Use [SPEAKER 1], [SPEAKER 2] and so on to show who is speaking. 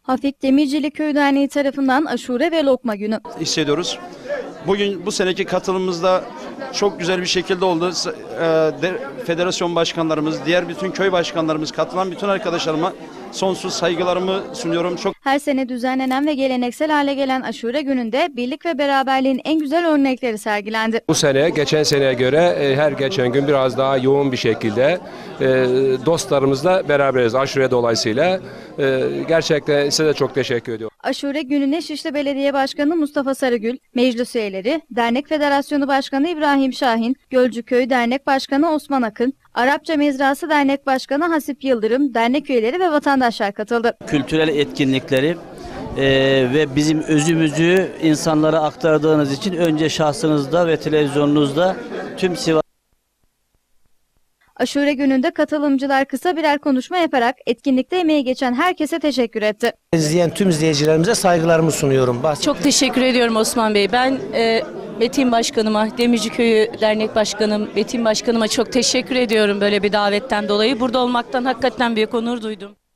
[SPEAKER 1] Hafik Demircili Köy Derneği tarafından aşure ve lokma günü
[SPEAKER 2] hissediyoruz. Bugün bu seneki katılımımız da çok güzel bir şekilde oldu. Federasyon başkanlarımız, diğer bütün köy başkanlarımız, katılan bütün arkadaşlarıma sonsuz saygılarımı sunuyorum.
[SPEAKER 1] Her sene düzenlenen ve geleneksel hale gelen aşure gününde birlik ve beraberliğin en güzel örnekleri sergilendi.
[SPEAKER 3] Bu sene geçen seneye göre her geçen gün biraz daha yoğun bir şekilde dostlarımızla beraberiz aşure dolayısıyla. Gerçekten size de çok teşekkür ediyorum.
[SPEAKER 1] Aşure gününe Şişli Belediye Başkanı Mustafa Sarıgül, meclis üyeleri, Dernek Federasyonu Başkanı İbrahim Şahin, Gölcüköy Dernek Başkanı Osman Akın, Arapça Mezrası Dernek Başkanı Hasip Yıldırım, dernek üyeleri ve vatandaşlar katıldı.
[SPEAKER 4] Kültürel etkinlikleri ve bizim özümüzü insanlara aktardığınız için önce şahsınızda ve televizyonunuzda tüm Sivas.
[SPEAKER 1] Aşure gününde katılımcılar kısa birer konuşma yaparak etkinlikte emeği geçen herkese teşekkür etti.
[SPEAKER 5] İzleyen tüm izleyicilerimize saygılarımı sunuyorum.
[SPEAKER 6] Çok teşekkür ediyorum Osman Bey. Ben Metin Başkanıma, Demirci Köyü Dernek Başkanım, Metin Başkanıma çok teşekkür ediyorum böyle bir davetten dolayı. Burada olmaktan hakikaten büyük onur duydum.